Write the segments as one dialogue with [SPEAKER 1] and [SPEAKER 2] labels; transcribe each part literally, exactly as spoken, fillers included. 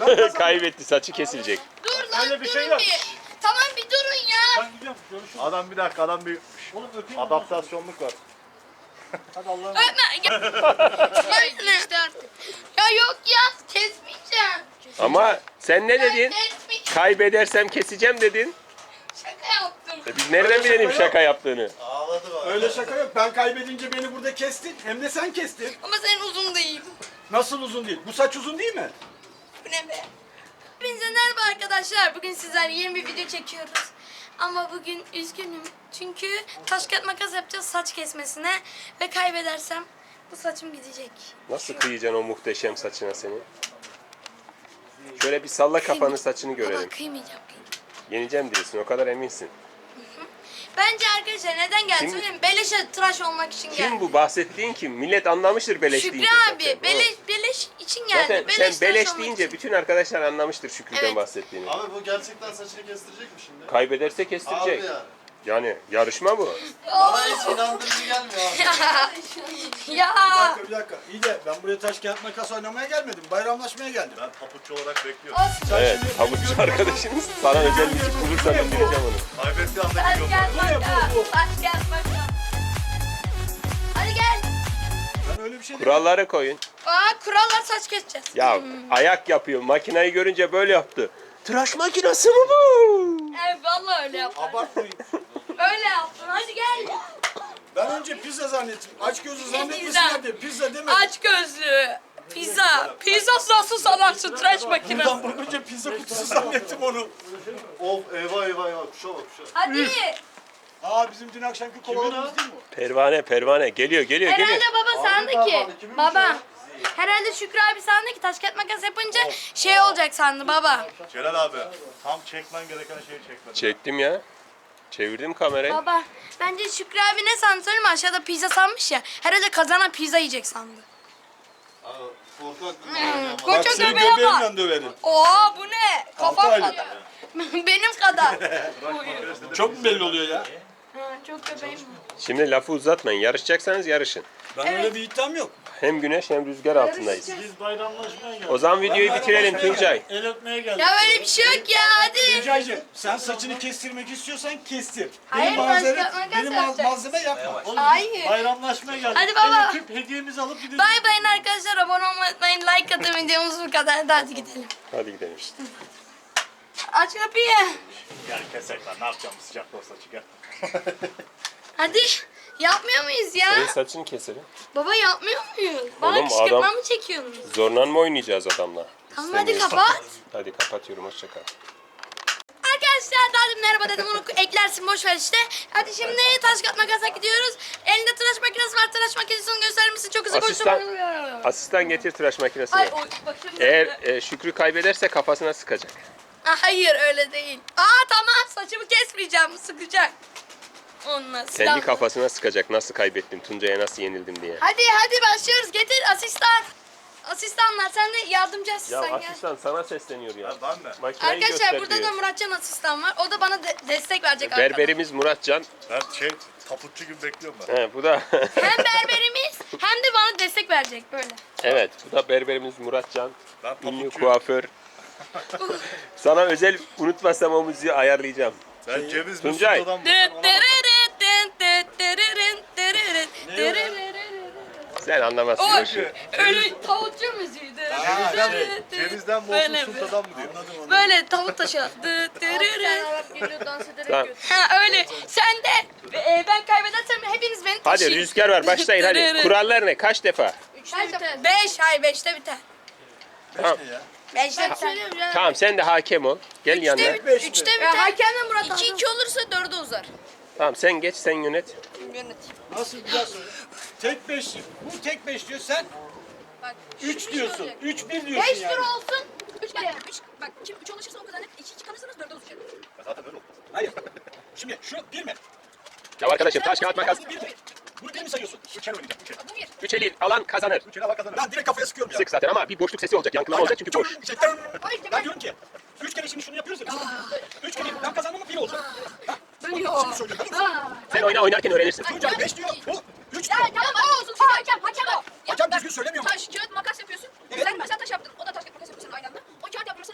[SPEAKER 1] Kaybetti, saçı kesilecek.
[SPEAKER 2] Dur lan
[SPEAKER 3] Öyle bir
[SPEAKER 2] durun
[SPEAKER 3] şey yok.
[SPEAKER 2] bir. Tamam bir durun ya.
[SPEAKER 3] Ben gidiyorum. Görüşürüz.
[SPEAKER 4] Adam bir dakika adam bir
[SPEAKER 3] Oğlum öpeyim.
[SPEAKER 4] adaptasyonluk var.
[SPEAKER 3] Hadi Allah'ım.
[SPEAKER 2] Öpme. Gel. Ya işte artık. Ya yok ya kesmeyeceğim.
[SPEAKER 1] Ama sen ne
[SPEAKER 2] Ben
[SPEAKER 1] dedin?
[SPEAKER 2] kesmeyeceğim.
[SPEAKER 1] Kaybedersem keseceğim dedin.
[SPEAKER 2] Şaka yaptım.
[SPEAKER 1] E biz nereden bilelim şaka yaptığını?
[SPEAKER 4] Ağladı bak.
[SPEAKER 5] Öyle şaka yok. Ben kaybedince beni burada kestin. Hem de sen kestin.
[SPEAKER 2] Ama senin uzun değil.
[SPEAKER 5] Nasıl uzun değil? Bu saç uzun değil mi?
[SPEAKER 2] Bu ne be? Hepinize merhaba arkadaşlar. Bugün sizlerle yeni bir video çekiyoruz. Ama bugün üzgünüm. Çünkü taş kağıt makas yapacağız saç kesmesine. Ve kaybedersem bu saçım gidecek.
[SPEAKER 1] Nasıl kıyacaksın o muhteşem saçına seni? Şöyle bir salla kafanı, saçını
[SPEAKER 2] Baba
[SPEAKER 1] görelim.
[SPEAKER 2] kıymayacağım. kıymayacağım.
[SPEAKER 1] Yeneceğim diyorsun, o kadar eminsin.
[SPEAKER 2] Bence arkadaşlar neden geldi
[SPEAKER 1] Kim-
[SPEAKER 2] söyleyeyim mi? Beleşe tıraş olmak için geldi.
[SPEAKER 1] Kim bu bahsettiğin kim? Millet anlamıştır beleş
[SPEAKER 2] Şükrü
[SPEAKER 1] deyince
[SPEAKER 2] abi.
[SPEAKER 1] zaten.
[SPEAKER 2] Beleş, beleş için geldi.
[SPEAKER 1] Zaten
[SPEAKER 2] beleş
[SPEAKER 1] sen
[SPEAKER 2] tıraş
[SPEAKER 1] beleş
[SPEAKER 2] olmak
[SPEAKER 1] deyince
[SPEAKER 2] için.
[SPEAKER 1] bütün arkadaşlar anlamıştır Şükrü'den
[SPEAKER 2] Evet.
[SPEAKER 1] bahsettiğini.
[SPEAKER 4] Abi bu gerçekten saçını kestirecek mi şimdi?
[SPEAKER 1] Kaybederse
[SPEAKER 4] Abi
[SPEAKER 1] kestirecek.
[SPEAKER 4] ya.
[SPEAKER 1] Yani yarışma bu.
[SPEAKER 4] Bana hiç inandırıcı gelmiyor abi.
[SPEAKER 2] Ya.
[SPEAKER 5] Bir dakika bir dakika. İyi de ben buraya taş kağıt makas oynamaya gelmedim. Bayramlaşmaya geldim.
[SPEAKER 4] Ben papuççu olarak bekliyorum.
[SPEAKER 2] Olsun.
[SPEAKER 1] Evet, havuççu arkadaşınız. Sana özel bir tip bulursa bildireceğim onu.
[SPEAKER 4] Kaybettiği anda
[SPEAKER 2] Taş
[SPEAKER 4] geliyorum.
[SPEAKER 2] kağıt
[SPEAKER 5] Bu ne, bu,
[SPEAKER 2] makas.
[SPEAKER 5] bu?
[SPEAKER 2] Taş kağıt makas. Hadi gel.
[SPEAKER 5] Ben öyle bir şey demedim.
[SPEAKER 1] Kuralları koyun.
[SPEAKER 2] Aa kurallar saç keseceğiz.
[SPEAKER 1] Ya ayak yapıyor. Makinayı görünce böyle yaptı. Tıraş makinası mı bu?
[SPEAKER 2] Evet vallahi öyle yaptım.
[SPEAKER 5] Abartmayın.
[SPEAKER 2] Öyle yaptım. Hadi gel.
[SPEAKER 5] Ben önce pizza zannettim. Aç gözü
[SPEAKER 2] Pizza.
[SPEAKER 5] zannetmesinler diye pizza demedim.
[SPEAKER 2] Aç gözlü. Pizza. Pizza nasıl sanarsın tıraş makinesi?
[SPEAKER 5] Buradan bakınca pizza kutusu zannettim onu.
[SPEAKER 4] Of eyvah eyvah eyvah. Kuşa bak kuşa.
[SPEAKER 2] Hadi.
[SPEAKER 5] Aa bizim dün akşamki kovalarımız değil mi o?
[SPEAKER 1] Pervane pervane. Geliyor geliyor
[SPEAKER 2] Herhalde
[SPEAKER 1] geliyor.
[SPEAKER 2] baba sandı ki.
[SPEAKER 4] parmağını kimin
[SPEAKER 2] Baba. Herhalde Şükrü abi sandı ki taş kağıt makas yapınca şey olacak sandı baba.
[SPEAKER 4] Celal abi tam çekmen gereken şeyi çekmedin.
[SPEAKER 1] Çektim ya. Çevirdim kamerayı.
[SPEAKER 2] Baba bence Şükrü abi ne sandı söyleyeyim mi? Aşağıda pizza sanmış ya. Herhalde kazanan pizza yiyecek sandı.
[SPEAKER 4] Abi korkak.
[SPEAKER 2] Hmm,
[SPEAKER 5] Bak
[SPEAKER 2] koca
[SPEAKER 5] seni
[SPEAKER 2] göbeğe bak.
[SPEAKER 5] göbeğimle döverim.
[SPEAKER 2] Oo bu ne? Kafam
[SPEAKER 5] Altı aylık.
[SPEAKER 2] kadar. Benim kadar.
[SPEAKER 5] Çok mu belli oluyor ya?
[SPEAKER 2] Ha, çok göbeğim var.
[SPEAKER 1] Şimdi lafı uzatmayın. Yarışacaksanız yarışın.
[SPEAKER 5] Ben öyle bir iddiam yok.
[SPEAKER 1] Hem güneş hem rüzgar altındayız.
[SPEAKER 3] Biz bayramlaşmaya geldik.
[SPEAKER 1] O zaman videoyu bitirelim Tuncay.
[SPEAKER 3] El öpmeye geldik.
[SPEAKER 2] Ya öyle bir şey yok ya hadi.
[SPEAKER 5] Tuncay'cığım sen saçını kestirmek istiyorsan kestir.
[SPEAKER 2] Hayır,
[SPEAKER 5] Benim malzeme,
[SPEAKER 2] taş kağıt makas
[SPEAKER 5] benim mal-
[SPEAKER 2] yapacağız.
[SPEAKER 5] malzeme yapma.
[SPEAKER 3] Oğlum,
[SPEAKER 2] Hayır.
[SPEAKER 3] biz bayramlaşmaya geldik.
[SPEAKER 2] Hadi baba.
[SPEAKER 3] El öpüp hediyemizi alıp gideceğiz.
[SPEAKER 2] Bay bayın arkadaşlar abone olmayı unutmayın. Like atın videomuz bu kadar. Hadi gidelim.
[SPEAKER 1] Hadi gidelim.
[SPEAKER 2] Aç kapıyı.
[SPEAKER 3] Gel kesek lan ne yapacağım bu sıcakta o saçı gel.
[SPEAKER 2] Hadi. Yapmıyor muyuz ya?
[SPEAKER 1] Senin saçını keselim.
[SPEAKER 2] Baba yapmıyor muyuz? Bana
[SPEAKER 1] Oğlum,
[SPEAKER 2] kışkırtma
[SPEAKER 1] adam-
[SPEAKER 2] mı çekiyorsunuz?
[SPEAKER 1] Zorla mı oynayacağız adamla?
[SPEAKER 2] Tamam hadi
[SPEAKER 1] İstemiyorsan-
[SPEAKER 2] kapat.
[SPEAKER 1] Hadi kapatıyorum. Hoşça kal.
[SPEAKER 2] Arkadaşlar daha demin merhaba dedim onu eklersin boş ver işte. Hadi şimdi taş kağıt makasa gidiyoruz. Elinde tıraş makinesi var. Tıraş makinesini gösterir misin? Çok hızlı
[SPEAKER 1] Asistan,
[SPEAKER 2] koştum.
[SPEAKER 1] asistan getir tıraş makinesini.
[SPEAKER 2] Ay oy bak şimdi.
[SPEAKER 1] Eğer e, Şükrü kaybederse kafasına sıkacak.
[SPEAKER 2] Aa, hayır öyle değil. Aa tamam saçımı kesmeyeceğim sıkacak. Onunla
[SPEAKER 1] Kendi
[SPEAKER 2] silah.
[SPEAKER 1] kafasına sıkacak. Nasıl kaybettim, Tuncay'a nasıl yenildim diye.
[SPEAKER 2] Hadi hadi başlıyoruz. Getir asistan. Asistanlar sen de yardımcı
[SPEAKER 1] Ya
[SPEAKER 2] asistan gel.
[SPEAKER 1] asistan sana sesleniyor ya.
[SPEAKER 4] Ben de.
[SPEAKER 1] Makineyi
[SPEAKER 2] Arkadaşlar
[SPEAKER 1] göster
[SPEAKER 2] burada da
[SPEAKER 1] diyor.
[SPEAKER 2] Muratcan asistan var. O da bana de- destek verecek arkadan.
[SPEAKER 1] Berberimiz Muratcan.
[SPEAKER 4] Ben şey papuççu gibi bekliyorum ben.
[SPEAKER 1] He, bu da
[SPEAKER 2] Hem berberimiz hem de bana destek verecek böyle.
[SPEAKER 1] evet, bu da berberimiz Muratcan.
[SPEAKER 4] Ben
[SPEAKER 1] Ünlü
[SPEAKER 4] papuççuyum.
[SPEAKER 1] kuaför. Sana özel unutmasam o müziği ayarlayacağım.
[SPEAKER 4] Ben ceviz
[SPEAKER 1] Tuncay.
[SPEAKER 4] Mesut adam
[SPEAKER 2] Dıt
[SPEAKER 4] mı?
[SPEAKER 2] dırırıt, dıt dıt dırırın, dırırın, dırırırırırın.
[SPEAKER 1] Sen anlamazsın.
[SPEAKER 2] O
[SPEAKER 1] o işi.
[SPEAKER 2] öyle tavukçu müziği. Dıt
[SPEAKER 4] Cevizden,
[SPEAKER 2] dırırın, dıt.
[SPEAKER 4] cevizden mi
[SPEAKER 2] Böyle,
[SPEAKER 4] olsun sultadan mı diyor?
[SPEAKER 2] Böyle tavuk taşı. Dıt dırırın.
[SPEAKER 1] Tamam.
[SPEAKER 2] Ha öyle. Sen de e, ben kaybedersem hepiniz beni
[SPEAKER 1] Hadi
[SPEAKER 2] taşıyın.
[SPEAKER 1] rüzgar var, başlayın hadi.
[SPEAKER 2] Dırırın.
[SPEAKER 1] Kurallar ne? Kaç defa?
[SPEAKER 2] Üçte biter. Beş, hayır beşte biter.
[SPEAKER 1] Tamam.
[SPEAKER 2] Beşte biter.
[SPEAKER 1] Tamam, sen de hakem ol. Gel yanına.
[SPEAKER 5] Beş mi?
[SPEAKER 2] Üçte biter. Hakemle Murat iki iki olursa dörde uzar.
[SPEAKER 1] Tamam, sen geç, sen yönet.
[SPEAKER 2] Yönet.
[SPEAKER 5] Nasıl bir daha söyle. Tek beş. Bu tek beş diyor sen.
[SPEAKER 2] Bak,
[SPEAKER 5] Üç diyorsun. Üç bir diyorsun
[SPEAKER 2] Beş
[SPEAKER 5] yani.
[SPEAKER 2] tur olsun. Üç kere.
[SPEAKER 6] Üç, bak kim üç ulaşırsa o kazanır. İki iki kalırsanız dörde uzayacak.
[SPEAKER 4] Zaten böyle oldu.
[SPEAKER 5] Hayır. Şimdi şu bir mi?
[SPEAKER 1] Ya arkadaşım, taş kağıt makas.
[SPEAKER 5] Bu bir mi? Bunu bir mi sayıyorsun? Üç kere oynayacağım. Üç kere.
[SPEAKER 6] Bu bir.
[SPEAKER 1] Üç eli alan kazanır.
[SPEAKER 4] Üç ele bak kazanır.
[SPEAKER 5] Ben direkt kafaya sıkıyorum ya.
[SPEAKER 1] Sık zaten ama bir boşluk sesi olacak. Yankılama olacak çünkü boş.
[SPEAKER 5] İşte, ben diyorum ki üç kere şimdi şunu yapıyoruz ya. Üç kere ben kazandım mı bir olacak. Ha, şimdi söylüyorum.
[SPEAKER 1] Sen oyna, oynarken öğrenirsin.
[SPEAKER 5] Tuncay beş diyor. Bu üç
[SPEAKER 6] Ya
[SPEAKER 5] diyor.
[SPEAKER 6] tamam o olsun. Çünkü hakem hakem o.
[SPEAKER 5] Hakem düzgün söylemiyor mu?
[SPEAKER 6] Taş, kağıt, makas yapıyorsun.
[SPEAKER 5] Evet.
[SPEAKER 6] Sen mesela taş yaptın. O da taş, kağıt, makas yapıyor senin aynı anda. O kağıt yapmış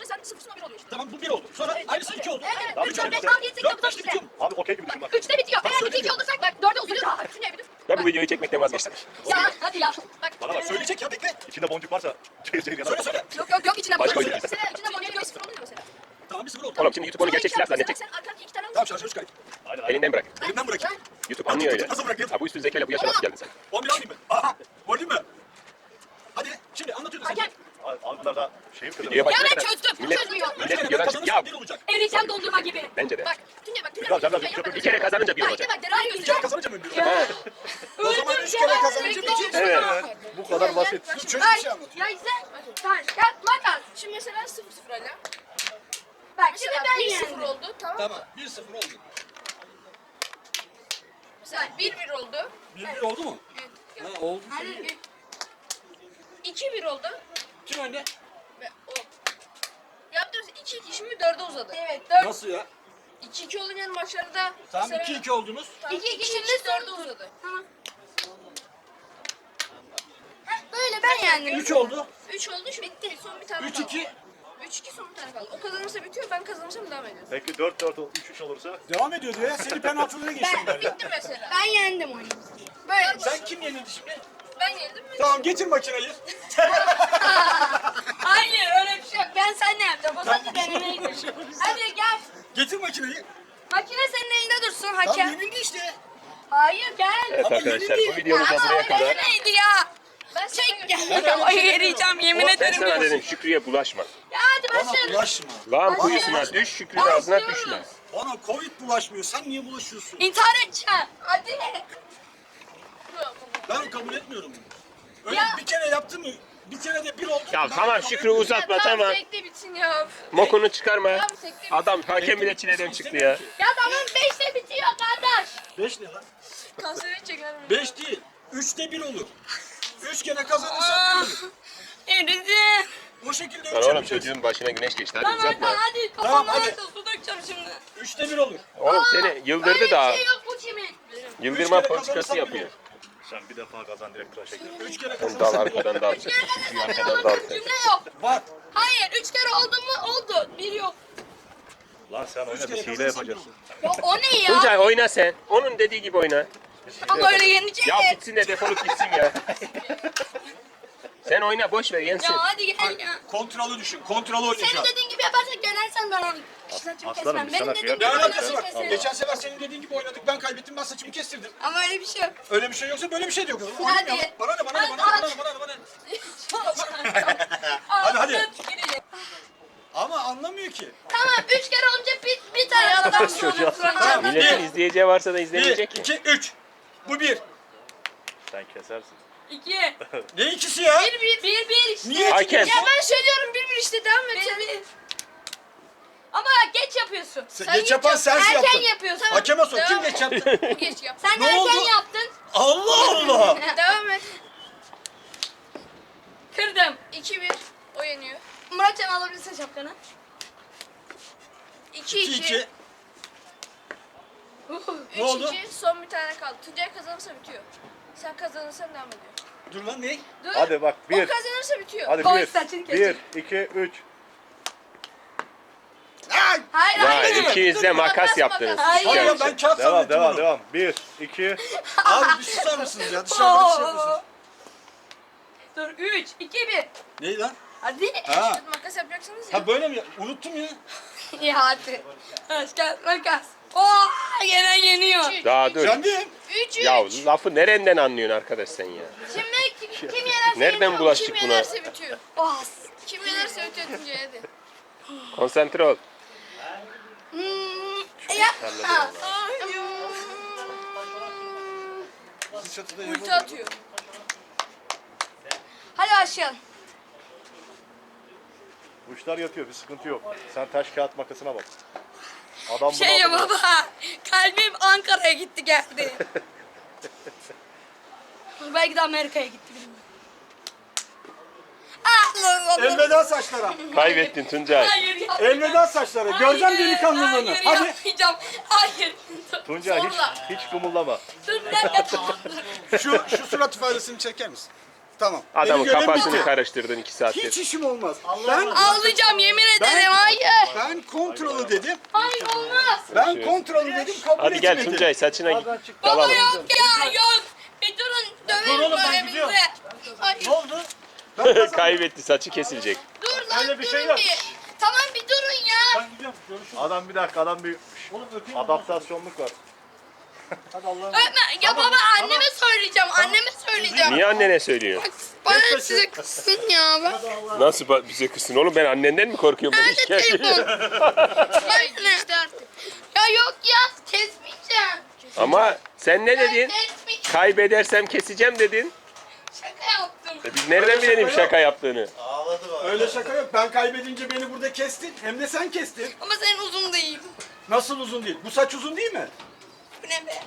[SPEAKER 1] vazgeçsin.
[SPEAKER 6] Ya hadi ya. Bak.
[SPEAKER 5] Bana bak söyleyecek ya bekle.
[SPEAKER 4] İçinde boncuk varsa çeyir çeyir yanar.
[SPEAKER 5] Söyle söyle.
[SPEAKER 6] Yok yok yok içine
[SPEAKER 1] Başka
[SPEAKER 6] boncuk.
[SPEAKER 1] oyun.
[SPEAKER 6] Mesela içine boncuk yok sıfır oluyor mesela.
[SPEAKER 5] Tamam bir sıfır oldu.
[SPEAKER 1] Oğlum şimdi YouTube onu gerçek silah zannedecek.
[SPEAKER 6] Sen arkadan iki tane
[SPEAKER 5] Tamam şarjörü çıkarayım.
[SPEAKER 4] Aynen aynen.
[SPEAKER 1] Elinden bırak.
[SPEAKER 5] Elimden bırakayım.
[SPEAKER 1] YouTube anlıyor öyle.
[SPEAKER 5] Nasıl bırakayım?
[SPEAKER 1] Ha bu üstün zekayla bu yaşa nasıl geldin sen?
[SPEAKER 5] on bir alayım mı? Aha. Vurayım mı? Hadi şimdi anlatıyordun sen.
[SPEAKER 6] Hakem.
[SPEAKER 4] Abi bunlar da şeyim kırılır.
[SPEAKER 1] Videoya
[SPEAKER 6] Ya
[SPEAKER 1] başlayana
[SPEAKER 6] ben
[SPEAKER 1] kadar.
[SPEAKER 6] çözdüm.
[SPEAKER 1] Millet,
[SPEAKER 6] Çözmüyor.
[SPEAKER 5] Üç
[SPEAKER 1] millet
[SPEAKER 5] kere ben
[SPEAKER 1] videodan çık.
[SPEAKER 5] kazanırsam
[SPEAKER 1] Ya
[SPEAKER 5] bir olacak.
[SPEAKER 6] Eriyeceğim dondurma gibi.
[SPEAKER 1] bence de.
[SPEAKER 6] Bak Tuncay bak. Tuncay
[SPEAKER 4] Biraz,
[SPEAKER 6] bak.
[SPEAKER 4] biraz,
[SPEAKER 6] Tuncay
[SPEAKER 4] çok-
[SPEAKER 6] bak.
[SPEAKER 1] Bir kere kazanınca bir
[SPEAKER 6] Bak
[SPEAKER 1] olacak.
[SPEAKER 6] bak deray
[SPEAKER 5] Üç kere
[SPEAKER 6] gözüyor.
[SPEAKER 5] kazanınca mı bir
[SPEAKER 6] Ya.
[SPEAKER 5] olacak? O zaman üç kere kazanınca bitiyor.
[SPEAKER 1] Evet.
[SPEAKER 4] Bu kadar basit.
[SPEAKER 5] Çocuk bir şey anlatıyor.
[SPEAKER 2] Ya sen. Tamam. Gel makas.
[SPEAKER 6] Şimdi mesela sıfır sıfır hala.
[SPEAKER 2] Bak şimdi
[SPEAKER 6] Mesela
[SPEAKER 2] ben
[SPEAKER 6] bir
[SPEAKER 2] yendim.
[SPEAKER 6] sıfır oldu tamam mı?
[SPEAKER 5] Tamam bir sıfır oldu.
[SPEAKER 6] Mesela bir bir oldu.
[SPEAKER 5] bir bir oldu mu? Ha oldu.
[SPEAKER 2] Hadi.
[SPEAKER 6] iki bir oldu.
[SPEAKER 5] Kim önde?
[SPEAKER 6] Ve o. Yaptığımız iki iki şimdi dörde uzadı.
[SPEAKER 2] Evet dört.
[SPEAKER 5] Nasıl ya?
[SPEAKER 6] iki iki olunca maçlarda
[SPEAKER 5] Tamam
[SPEAKER 6] mesela-
[SPEAKER 5] iki iki oldunuz.
[SPEAKER 6] Tamam,
[SPEAKER 2] İki iki
[SPEAKER 6] iki
[SPEAKER 2] şimdi
[SPEAKER 6] iki dörde
[SPEAKER 2] son-
[SPEAKER 6] uzadı.
[SPEAKER 2] Tamam. Heh, böyle ben yendim.
[SPEAKER 5] üç oldu.
[SPEAKER 6] üç oldu şimdi bitti. Son bir tane
[SPEAKER 5] üç
[SPEAKER 6] kaldı.
[SPEAKER 5] iki.
[SPEAKER 6] üç iki son bir tane kaldı. O kazanırsa bitiyor ben kazanırsam devam ediyoruz.
[SPEAKER 4] Peki dört dört üç üç olursa
[SPEAKER 5] Devam ediyor diyor ya. Seni penaltılara geçtim ben.
[SPEAKER 6] Bitti mesela.
[SPEAKER 2] Ben yendim oyunu. Böyle.
[SPEAKER 5] Sen kim yenildi şimdi?
[SPEAKER 6] Ben yenildim mi?
[SPEAKER 5] Tamam getir makineyi.
[SPEAKER 2] Hayır öyle bir şey yok. Ben seninle yapacağım. O sadece denemeydi. Hadi gel.
[SPEAKER 5] Getir makineyi.
[SPEAKER 2] Makine senin elinde dursun
[SPEAKER 5] Tamam
[SPEAKER 2] hakem.
[SPEAKER 5] yenildi işte.
[SPEAKER 2] Hayır gel.
[SPEAKER 1] Evet
[SPEAKER 5] Ama
[SPEAKER 1] arkadaşlar
[SPEAKER 5] yenildi.
[SPEAKER 1] bu videomuz da
[SPEAKER 2] Ama
[SPEAKER 1] buraya
[SPEAKER 2] öyle
[SPEAKER 1] kadar.
[SPEAKER 2] neydi ya?
[SPEAKER 6] Ben
[SPEAKER 2] Çek
[SPEAKER 6] sana-
[SPEAKER 2] gel. Ay eriyeceğim yemin
[SPEAKER 1] Ben
[SPEAKER 2] ederim.
[SPEAKER 1] sana dedim Şükrü'ye bulaşma.
[SPEAKER 2] Ya hadi
[SPEAKER 5] Bana
[SPEAKER 2] başlayalım.
[SPEAKER 5] bulaşma.
[SPEAKER 1] Lağım kuyusuna düş, Şükrü de ağzına düşme.
[SPEAKER 5] Bana Covid bulaşmıyor. Sen niye bulaşıyorsun?
[SPEAKER 2] İntihar edeceğim. Hadi.
[SPEAKER 5] Ben kabul etmiyorum. Öyle
[SPEAKER 2] Ya.
[SPEAKER 5] bir kere yaptın mı? Bir kere de bir oldu.
[SPEAKER 1] Ya
[SPEAKER 5] Ben
[SPEAKER 1] tamam
[SPEAKER 5] kabul
[SPEAKER 1] Şükrü
[SPEAKER 5] etmiyorum.
[SPEAKER 1] uzatma tamam.
[SPEAKER 6] Tekte bitsin ya.
[SPEAKER 1] Mokunu çıkarma.
[SPEAKER 6] Tamam, tekte bitsin.
[SPEAKER 1] Adam hakem bile çileden çıktı ya.
[SPEAKER 2] Ya tamam beşte bitiyor kardeş.
[SPEAKER 5] Beş ne lan?
[SPEAKER 6] Kanseri çeker mi?
[SPEAKER 5] Beş değil. Üçte bir olur. Üç kere kazanırsan bir olur.
[SPEAKER 2] Eridim.
[SPEAKER 5] O şekilde
[SPEAKER 1] Lan
[SPEAKER 5] üç
[SPEAKER 1] oğlum
[SPEAKER 5] yapacağız.
[SPEAKER 1] çocuğun başına güneş geçti hadi
[SPEAKER 2] Tamam hadi
[SPEAKER 1] uzatma.
[SPEAKER 2] hadi.
[SPEAKER 5] Tamam,
[SPEAKER 2] Kafamdan
[SPEAKER 5] hadi.
[SPEAKER 2] hadi. Su dökeceğim şimdi.
[SPEAKER 5] Üçte bir olur.
[SPEAKER 1] Oğlum seni yıldırdı
[SPEAKER 2] Öyle
[SPEAKER 1] da
[SPEAKER 2] bir şey yok bu kimin?
[SPEAKER 1] yıldırma
[SPEAKER 5] Üç kere
[SPEAKER 1] politikası
[SPEAKER 5] kazanırsan
[SPEAKER 1] yapıyor.
[SPEAKER 4] sen bir defa kazan direkt tıraşa gir.
[SPEAKER 5] Üç kere
[SPEAKER 1] Sen dal
[SPEAKER 5] kazanırsan bir olur.
[SPEAKER 1] arkadan dal.
[SPEAKER 2] Üç kere
[SPEAKER 1] Şükrü'yü
[SPEAKER 2] kazanırsan
[SPEAKER 1] arkadan
[SPEAKER 2] olur.
[SPEAKER 1] dal.
[SPEAKER 2] Cümle yok.
[SPEAKER 5] Var.
[SPEAKER 2] Hayır üç kere oldu mu oldu. Bir yok.
[SPEAKER 4] Lan sen oyna
[SPEAKER 5] kere
[SPEAKER 4] bir hile
[SPEAKER 5] kazanırsan
[SPEAKER 4] yapacaksın.
[SPEAKER 2] Ya o ne ya?
[SPEAKER 1] Tuncay oyna sen. Onun dediği gibi oyna.
[SPEAKER 2] Ama öyle yenecek.
[SPEAKER 1] Ya bitsin de defolup gitsin ya. Sen oyna boş ver yensin.
[SPEAKER 2] Ya hadi gel ya.
[SPEAKER 5] Kontrolü düşün. Kontrolü
[SPEAKER 2] Senin
[SPEAKER 5] oynayacağım.
[SPEAKER 2] dediğin gibi yaparsak yenersen ben onu saçımı
[SPEAKER 4] Aslanım,
[SPEAKER 2] kesmem.
[SPEAKER 4] biz sana
[SPEAKER 2] Benim dediğim
[SPEAKER 5] Ne
[SPEAKER 2] gibi
[SPEAKER 5] alakası var?
[SPEAKER 2] saçımı keserim.
[SPEAKER 5] Geçen sefer senin dediğin gibi oynadık. Ben kaybettim. Ben saçımı kestirdim.
[SPEAKER 2] Ama öyle bir şey yok.
[SPEAKER 5] Öyle bir şey yoksa böyle bir şey de yok.
[SPEAKER 2] Hadi.
[SPEAKER 5] Oynayalım. Bana ne bana ne bana ne bana ne bana ne bana ne.
[SPEAKER 2] Hadi
[SPEAKER 5] hadi. Ama anlamıyor ki.
[SPEAKER 2] Tamam üç kere olunca bir, bir tane adam sonra.
[SPEAKER 5] Tamam.
[SPEAKER 1] Milletin
[SPEAKER 5] Bir.
[SPEAKER 1] izleyeceği varsa da
[SPEAKER 5] Bir,
[SPEAKER 1] izlemeyecek ki.
[SPEAKER 5] iki, üç. Bu bir.
[SPEAKER 4] Sen kesersin.
[SPEAKER 2] İki.
[SPEAKER 5] Ne ikisi ya?
[SPEAKER 2] Bir bir. Bir bir işte.
[SPEAKER 5] Niye
[SPEAKER 1] Hakem.
[SPEAKER 6] Ya ben söylüyorum bir bir işte devam et.
[SPEAKER 2] Bir bir. Ama geç yapıyorsun.
[SPEAKER 5] Sen geç yapan sensin
[SPEAKER 2] Erken
[SPEAKER 5] yaptın.
[SPEAKER 2] yapıyorsun.
[SPEAKER 5] Hakeme sor. Kim
[SPEAKER 6] Devam.
[SPEAKER 5] geç yaptı?
[SPEAKER 6] Geç yap.
[SPEAKER 2] Sen
[SPEAKER 5] Ne
[SPEAKER 2] erken
[SPEAKER 5] oldu?
[SPEAKER 2] yaptın.
[SPEAKER 5] Allah Allah.
[SPEAKER 6] Devam et.
[SPEAKER 2] Kırdım.
[SPEAKER 6] iki bir. O yeniyor.
[SPEAKER 2] Muratcan alabilirsin şapkanı.
[SPEAKER 6] iki
[SPEAKER 5] İki
[SPEAKER 6] iki.
[SPEAKER 5] iki.
[SPEAKER 6] üç
[SPEAKER 5] Ne oldu?
[SPEAKER 6] iki. Son bir tane kaldı. Tuncay kazanırsa bitiyor. Sen kazanırsan devam ediyor.
[SPEAKER 5] Dur lan ne?
[SPEAKER 6] Dur.
[SPEAKER 4] Hadi bak
[SPEAKER 6] O
[SPEAKER 4] bir.
[SPEAKER 6] kazanırsa bitiyor.
[SPEAKER 4] Hadi
[SPEAKER 2] Koy
[SPEAKER 4] bir.
[SPEAKER 2] saçını
[SPEAKER 4] Bir,
[SPEAKER 2] kesecek.
[SPEAKER 4] iki, üç.
[SPEAKER 5] Ay!
[SPEAKER 2] Hayır
[SPEAKER 1] Ya
[SPEAKER 2] hayır.
[SPEAKER 1] ikiniz de makas
[SPEAKER 6] Makas,
[SPEAKER 1] yaptınız.
[SPEAKER 6] makas.
[SPEAKER 2] Hayır.
[SPEAKER 5] Hayır ya
[SPEAKER 1] Gerçi.
[SPEAKER 5] ben kağıt
[SPEAKER 4] Devam,
[SPEAKER 5] zannettim
[SPEAKER 4] devam,
[SPEAKER 5] onu.
[SPEAKER 4] devam. Bir, iki.
[SPEAKER 5] Abi bir susar mısınız ya? Dışarıda bir şey yapıyorsunuz.
[SPEAKER 2] Dur üç, iki, bir.
[SPEAKER 5] Ney lan?
[SPEAKER 2] Hadi.
[SPEAKER 5] Ha.
[SPEAKER 6] Makas yapacaksınız ya.
[SPEAKER 5] Ha böyle mi? Unuttum ya.
[SPEAKER 2] İyi hadi. Taş kağıt makas. Oh yine yeniyor.
[SPEAKER 1] Daha dur.
[SPEAKER 5] Kendim.
[SPEAKER 6] üç üç.
[SPEAKER 1] Ya lafı nereden anlıyorsun arkadaş sen ya?
[SPEAKER 2] Şimdi kim, kim yenerse
[SPEAKER 1] Nereden
[SPEAKER 2] yeniyor.
[SPEAKER 1] bulaştık
[SPEAKER 6] Kim
[SPEAKER 1] buna?
[SPEAKER 6] yenerse bitiyor.
[SPEAKER 2] Oh.
[SPEAKER 6] Kim yenerse bitiyor Tuncay hadi.
[SPEAKER 1] Konsantre ol.
[SPEAKER 2] Hmm, ya. Ha.
[SPEAKER 5] Çatıda
[SPEAKER 6] Ulti atıyor.
[SPEAKER 2] Hadi başlayalım.
[SPEAKER 4] Kuşlar yatıyor, bir sıkıntı yok. Sen taş kağıt makasına bak. Adam bunu
[SPEAKER 2] Şey
[SPEAKER 4] aldı.
[SPEAKER 2] baba. Kalbim Ankara'ya gitti geldi. Belki de Amerika'ya gitti bilmiyorum. Ah,
[SPEAKER 5] Elveda saçlara.
[SPEAKER 1] Kaybettin Tuncay.
[SPEAKER 2] Hayır ya.
[SPEAKER 5] Elveda saçlara. Göreceğim delikanlılığını.
[SPEAKER 2] Hayır
[SPEAKER 5] Hadi.
[SPEAKER 2] yapmayacağım. Hayır.
[SPEAKER 4] Tuncay hiç,
[SPEAKER 2] Zorla.
[SPEAKER 4] hiç kımıldama.
[SPEAKER 2] Dur bir dakika.
[SPEAKER 5] Şu, şu surat ifadesini çeker misin? Tamam.
[SPEAKER 1] Adamın
[SPEAKER 5] Benim görevim
[SPEAKER 1] kafasını
[SPEAKER 5] bitti.
[SPEAKER 1] karıştırdın iki
[SPEAKER 5] Hiç
[SPEAKER 1] saattir.
[SPEAKER 5] işim olmaz. Ben,
[SPEAKER 2] Ağlayacağım yemin ederim.
[SPEAKER 5] Ben-
[SPEAKER 2] Hayır.
[SPEAKER 5] ben kontrolü dedim.
[SPEAKER 2] Hayır olmaz.
[SPEAKER 5] Ben kontrolü dedim kabul
[SPEAKER 1] Hadi gel
[SPEAKER 5] etmedi.
[SPEAKER 1] Tuncay saçına git.
[SPEAKER 2] Baba
[SPEAKER 1] Dalalım.
[SPEAKER 2] yok ya yok. Bir durun
[SPEAKER 3] Dur
[SPEAKER 2] döverim
[SPEAKER 3] oğlum, ben
[SPEAKER 2] böyle
[SPEAKER 3] gidiyorum.
[SPEAKER 2] bizi. Ay,
[SPEAKER 3] Ne oldu?
[SPEAKER 1] Kaybetti, saçı kesilecek.
[SPEAKER 2] dur lan
[SPEAKER 4] Öyle bir
[SPEAKER 2] durun
[SPEAKER 4] şey yok.
[SPEAKER 2] bir. Tamam bir durun ya.
[SPEAKER 3] Ben gidiyorum. Görüşürüz.
[SPEAKER 4] Adam bir dakika adam bir
[SPEAKER 3] Oğlum öpeyim.
[SPEAKER 4] adaptasyonluk var.
[SPEAKER 3] Hadi Allah'a emanet.
[SPEAKER 2] Öpme. Ya baba anneme söyleyeceğim. Anneme söyleyeceğim.
[SPEAKER 1] Niye annene söylüyorsun?
[SPEAKER 2] Bana size kızsın ya. Ben.
[SPEAKER 1] Nasıl ba- bize kızsın oğlum, ben annenden mi korkuyorum? Ben
[SPEAKER 2] Nerede
[SPEAKER 1] şikayet
[SPEAKER 2] telefon?
[SPEAKER 1] ediyorum.
[SPEAKER 2] Ben işte artık. Ya yok ya kesmeyeceğim.
[SPEAKER 1] Ama sen ne
[SPEAKER 2] Ben
[SPEAKER 1] dedin?
[SPEAKER 2] kesmeyeceğim.
[SPEAKER 1] Kaybedersem keseceğim dedin.
[SPEAKER 2] Şaka yaptım.
[SPEAKER 1] E biz nereden bilelim şaka yaptığını?
[SPEAKER 5] Öyle şaka yok. Ben kaybedince beni burada kestin. Hem de sen kestin.
[SPEAKER 2] Ama senin uzun değil.
[SPEAKER 5] Nasıl uzun değil? Bu saç uzun değil mi?
[SPEAKER 2] Bu ne be?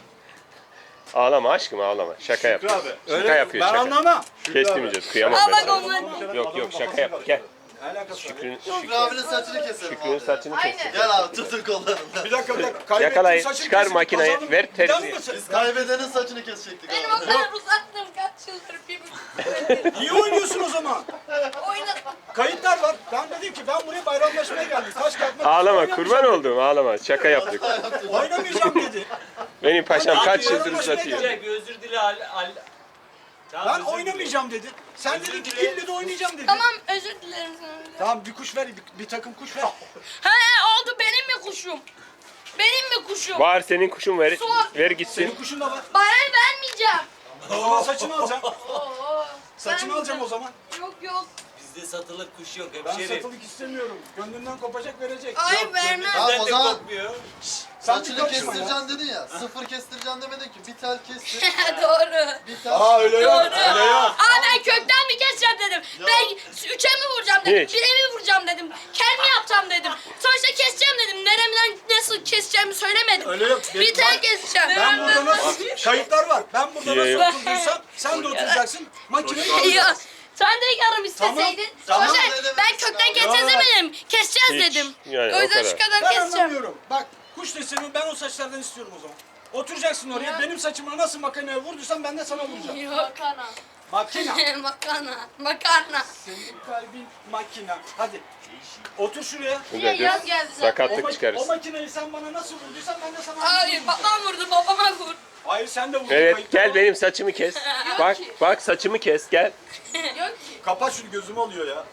[SPEAKER 1] Ağlama aşkım, ağlama. Şaka yapıyor.
[SPEAKER 4] abi.
[SPEAKER 1] Şaka yapıyor,
[SPEAKER 5] Ben
[SPEAKER 1] şaka.
[SPEAKER 5] anlamam.
[SPEAKER 1] Kestirmeyeceğiz, kıyamam
[SPEAKER 2] Al
[SPEAKER 1] ben
[SPEAKER 2] bak
[SPEAKER 1] sana.
[SPEAKER 2] onlar.
[SPEAKER 1] Yok yok, şaka yap. Gel.
[SPEAKER 5] Ne alakası var?
[SPEAKER 1] Şükrü'nün
[SPEAKER 7] Şükrü abinin saçını keselim
[SPEAKER 1] Şükrü'nün
[SPEAKER 7] abi.
[SPEAKER 1] saçını kes.
[SPEAKER 7] Gel abi tutun kollarından.
[SPEAKER 5] Bir dakika bir dakika. Kaybettim,
[SPEAKER 1] Yakalayın,
[SPEAKER 5] saçım
[SPEAKER 1] çıkar
[SPEAKER 5] kesildi,
[SPEAKER 1] makineyi,
[SPEAKER 5] kazandım.
[SPEAKER 1] ver
[SPEAKER 5] Bir daha mı
[SPEAKER 1] terziye.
[SPEAKER 5] kesildi?
[SPEAKER 7] Biz kaybedenin saçını kesecektik
[SPEAKER 2] Benim
[SPEAKER 7] abi.
[SPEAKER 2] o kadar uzattım kaç yıldır bir buçuk.
[SPEAKER 5] Niye oynuyorsun o zaman?
[SPEAKER 2] Oynatma.
[SPEAKER 5] Kayıtlar var. Ben dedim ki ben buraya bayramlaşmaya geldim. Taş kağıt makas
[SPEAKER 1] Ağlama,
[SPEAKER 5] oynamayacağım.
[SPEAKER 1] kurban olduğum ağlama. Şaka yaptık.
[SPEAKER 5] Oynamayacağım dedi.
[SPEAKER 1] Benim paşam kaç yıldır
[SPEAKER 5] Bayramlaşmaya
[SPEAKER 1] uzatıyor.
[SPEAKER 5] geldim.
[SPEAKER 3] Bir özür dile al. al. Tamam,
[SPEAKER 5] Ben
[SPEAKER 3] özür
[SPEAKER 5] oynamayacağım dedi. Sen dedin ki ille de oynayacağım dedi.
[SPEAKER 2] Tamam özür dilerim sana.
[SPEAKER 5] Tamam bir kuş ver, bir, bir takım kuş ver.
[SPEAKER 2] He oldu benim mi kuşum? Benim mi kuşum?
[SPEAKER 1] Var senin kuşun, ver, ver
[SPEAKER 5] Senin
[SPEAKER 1] gitsin.
[SPEAKER 5] kuşun da var.
[SPEAKER 2] Bana vermeyeceğim.
[SPEAKER 5] O zaman saçını alacağım.
[SPEAKER 2] Oo,
[SPEAKER 5] Saçını alacağım o zaman.
[SPEAKER 2] Yok yok.
[SPEAKER 3] Bizde satılık kuş yok
[SPEAKER 5] Ben
[SPEAKER 3] hemşerim.
[SPEAKER 5] satılık istemiyorum. Gönlünden kopacak verecek.
[SPEAKER 2] Ay vermem.
[SPEAKER 7] Tamam o zaman
[SPEAKER 3] Kopmuyor.
[SPEAKER 5] Sen bir
[SPEAKER 7] saçını
[SPEAKER 5] karışma ya.
[SPEAKER 7] kestireceksin dedin ya. Sıfır kestireceksin demedin ki. Bir tel kestir.
[SPEAKER 2] Doğru.
[SPEAKER 7] Bir tel.
[SPEAKER 5] Aa öyle yok.
[SPEAKER 2] Doğru.
[SPEAKER 5] Öyle yok.
[SPEAKER 2] Aa ben kökten mi keseceğim dedim. Ben üçe mi vuracağım dedim.
[SPEAKER 1] Hiç.
[SPEAKER 2] Bire mi vuracağım dedim. Kel mi yapacağım dedim. Sonuçta keseceğim dedim. Neremden nasıl keseceğimi söylemedim.
[SPEAKER 5] Öyle yok.
[SPEAKER 2] Bir tel keseceğim.
[SPEAKER 5] Ben burada nasıl kayıtlar var. Ben burada
[SPEAKER 1] Yok.
[SPEAKER 5] nasıl oturduysam sen de oturacaksın. Makineyi
[SPEAKER 2] Ya sen de yarım isteseydin.
[SPEAKER 5] Tamam,
[SPEAKER 2] Sonuçta
[SPEAKER 7] tamam.
[SPEAKER 2] ben kökten keseceğiz
[SPEAKER 5] Ya.
[SPEAKER 2] demedim. Keseceğiz
[SPEAKER 1] Hiç.
[SPEAKER 2] dedim.
[SPEAKER 1] Yani
[SPEAKER 2] o
[SPEAKER 1] o
[SPEAKER 2] yüzden
[SPEAKER 1] kadar.
[SPEAKER 2] şu kadar
[SPEAKER 5] Ben
[SPEAKER 2] keseceğim.
[SPEAKER 5] anlamıyorum. Bak kuş deseni ben o saçlardan istiyorum o zaman. Oturacaksın oraya. Benim saçıma nasıl makineye vurduysam ben de sana vuracağım.
[SPEAKER 2] Yok.
[SPEAKER 5] Makine.
[SPEAKER 2] Makarna. Makarna.
[SPEAKER 5] Senin kalbin makina. Hadi. Otur şuraya.
[SPEAKER 1] Tuncay dur.
[SPEAKER 2] yaz geldi zaten.
[SPEAKER 5] O,
[SPEAKER 1] Sakatlık
[SPEAKER 5] mak- o
[SPEAKER 1] çıkarırız.
[SPEAKER 5] makineyi sen bana nasıl vurduysan ben de sana
[SPEAKER 2] Hayır
[SPEAKER 5] vuracağım.
[SPEAKER 2] babam vurdu babama vur.
[SPEAKER 5] Hayır sen de vurdun.
[SPEAKER 1] Evet,
[SPEAKER 5] Kayıtlar
[SPEAKER 1] gel
[SPEAKER 5] var.
[SPEAKER 1] benim saçımı kes. Bak, bak saçımı kes, gel.
[SPEAKER 2] Yok ki.
[SPEAKER 5] Kapat şunu gözüm oluyor ya.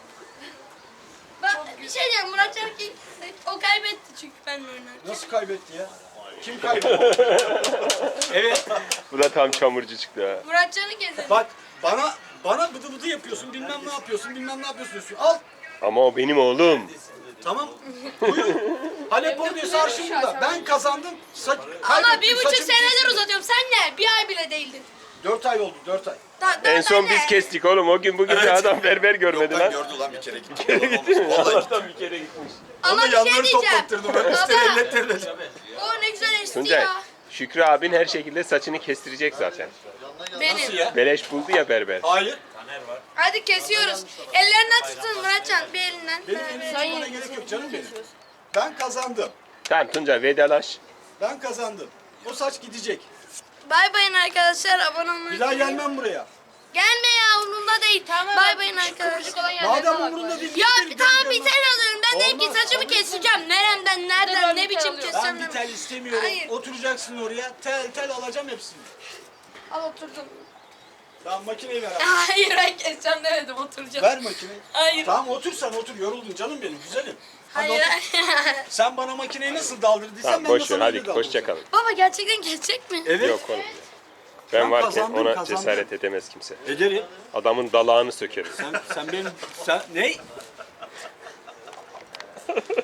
[SPEAKER 2] Ben bir şey diyeyim Muratcan ki o kaybetti çünkü benimle oynarken.
[SPEAKER 5] Nasıl kaybetti ya? Kim kaybetti? Evet.
[SPEAKER 1] Bu da tam çamurcu çıktı ha.
[SPEAKER 2] Muratcan'ı gezelim.
[SPEAKER 5] Bak bana bana bıdı bıdı yapıyorsun bilmem ne yapıyorsun bilmem ne yapıyorsun diyorsun. Al.
[SPEAKER 1] Ama o benim oğlum.
[SPEAKER 5] Tamam. Buyur. Halep oynıyorsa arşın burada. Ben kazandım. Saç,
[SPEAKER 2] Ama
[SPEAKER 5] kaybettim,
[SPEAKER 2] bir buçuk
[SPEAKER 5] saçımı
[SPEAKER 2] senedir
[SPEAKER 5] kestirdim.
[SPEAKER 2] uzatıyorum. Sen ne? Bir ay bile değildin.
[SPEAKER 5] Dört ay oldu dört ay.
[SPEAKER 2] Da,
[SPEAKER 1] En son
[SPEAKER 2] ben
[SPEAKER 1] biz
[SPEAKER 2] de-
[SPEAKER 1] kestik oğlum. O gün bugün bir adam berber görmedi lan.
[SPEAKER 5] Gördü lan bir kere gitti.
[SPEAKER 1] Allah'tan bir kere gitmiş.
[SPEAKER 2] Ama
[SPEAKER 5] Onu
[SPEAKER 2] bir şey
[SPEAKER 5] yanları
[SPEAKER 2] diyeceğim.
[SPEAKER 5] toplattırdım. Ben
[SPEAKER 2] Baba.
[SPEAKER 5] üstleri ellettirdim.
[SPEAKER 2] O ne güzel esti
[SPEAKER 1] Tuncay,
[SPEAKER 2] ya.
[SPEAKER 1] Şükrü abin her şekilde saçını kestirecek zaten.
[SPEAKER 2] Benim.
[SPEAKER 1] Beleş buldu ya berber.
[SPEAKER 5] Hayır.
[SPEAKER 2] Hadi kesiyoruz. Ellerinden tutun Muratcan bir elinden.
[SPEAKER 5] Benim
[SPEAKER 2] Ha,
[SPEAKER 5] elimi
[SPEAKER 2] evet.
[SPEAKER 5] tutmana gerek yok canım benim. Ben kazandım.
[SPEAKER 1] Tamam Tuncay vedalaş.
[SPEAKER 5] Ben kazandım. O saç gidecek.
[SPEAKER 2] Bay bayın arkadaşlar abone olmayı.
[SPEAKER 5] Bir daha gelmem buraya.
[SPEAKER 2] Gelme ya umurumda değil. Bay bayın arkadaşlar.
[SPEAKER 5] Madem umurunda değil.
[SPEAKER 2] Ya
[SPEAKER 5] git
[SPEAKER 2] tamam
[SPEAKER 5] benim
[SPEAKER 2] bir
[SPEAKER 5] görmem.
[SPEAKER 2] tel alıyorum. Ben dedim ki
[SPEAKER 5] Olmaz,
[SPEAKER 2] saçımı
[SPEAKER 5] olmaz.
[SPEAKER 2] keseceğim. Neremden, nereden, ne biçim
[SPEAKER 5] Ben
[SPEAKER 2] keseceğim.
[SPEAKER 5] bir tel istemiyorum.
[SPEAKER 2] Hayır.
[SPEAKER 5] Oturacaksın oraya. Tel tel alacağım hepsini.
[SPEAKER 2] Al oturdum.
[SPEAKER 5] Tamam makineyi ver abi.
[SPEAKER 2] Hayır ben keseceğim demedim oturacağım.
[SPEAKER 5] Ver makineyi.
[SPEAKER 2] Hayır.
[SPEAKER 5] Tamam otur sen otur. Yoruldun canım benim güzelim. Hadi
[SPEAKER 2] Hayır.
[SPEAKER 5] otur. Sen bana makineyi nasıl daldırdıysan
[SPEAKER 1] Tamam
[SPEAKER 5] ben de
[SPEAKER 1] boş ver
[SPEAKER 5] sana
[SPEAKER 1] hadi
[SPEAKER 5] öyle daldıracağım.
[SPEAKER 1] hoşça kalın.
[SPEAKER 2] Baba gerçekten kesecek mi?
[SPEAKER 5] Evet.
[SPEAKER 1] Yok oğlum. Ben
[SPEAKER 5] Ben
[SPEAKER 1] varken
[SPEAKER 5] kazandım,
[SPEAKER 1] ona
[SPEAKER 5] kazandım.
[SPEAKER 1] cesaret edemez kimse.
[SPEAKER 5] Ederim.
[SPEAKER 1] Adamın dalağını sökeriz.
[SPEAKER 5] Sen, sen benim... Sen... Ney?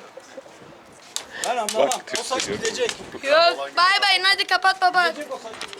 [SPEAKER 5] Ben anlamam.
[SPEAKER 1] Bak, Türk
[SPEAKER 5] O saç
[SPEAKER 1] söylüyorum.
[SPEAKER 5] gidecek.
[SPEAKER 2] Yok. Bay bay hadi kapat baba.
[SPEAKER 5] Gidecek o saç.